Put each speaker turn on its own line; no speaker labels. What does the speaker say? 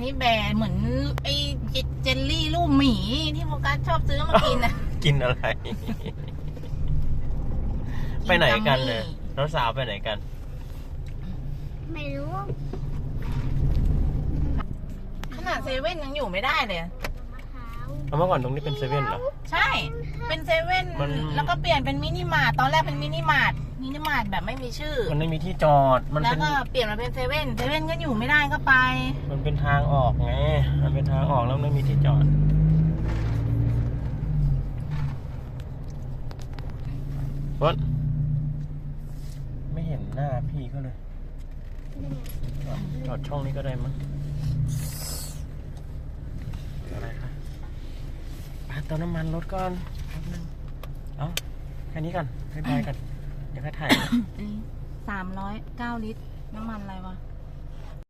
นี้แบร์เหมือนไอ้เจลลี่ลูกหมีที่โฟกัสชอบซื้อมากินนะ
กินอะไร ไปไหนกันเนี่ยน้องสาวไปไหนกัน
ไม่รู้
ขนาดเซเว่นยังอยู่ไม่ได้เลย
มะพร้าว
เมื่อก่อนตรงนี้เป็นเซเว่นเหรอ
ใช่ เป็นเซเว่น
มัน
แล้วก็เปลี่ยนเป็นมินิมาร์ทตอนแรกเป็นมินิมาร์ทแบบไม่มีชื่อ
มันไม่มีที่จอด มัน
แล้ว
เป็น
ก็เปลี่ยนมาเป็นเซเว่นก็อยู่ไม่ได้ก็ไป
มันเป็นทางออกไง มันเป็นทางออกแล้วไม่มีที่จอดรถไม่เห็นหน้าพี่ก็เลย จอดช่องนี้ก็ได้มั้งอะไรคะไปเติมน้ำมันรถก่อนแป๊บนึงเอาแค่นี้ก่อนบ๊ายบายกัน เดี๋ยวค่อยถ่าย
309 ลิตร น้ำมันอะไรวะ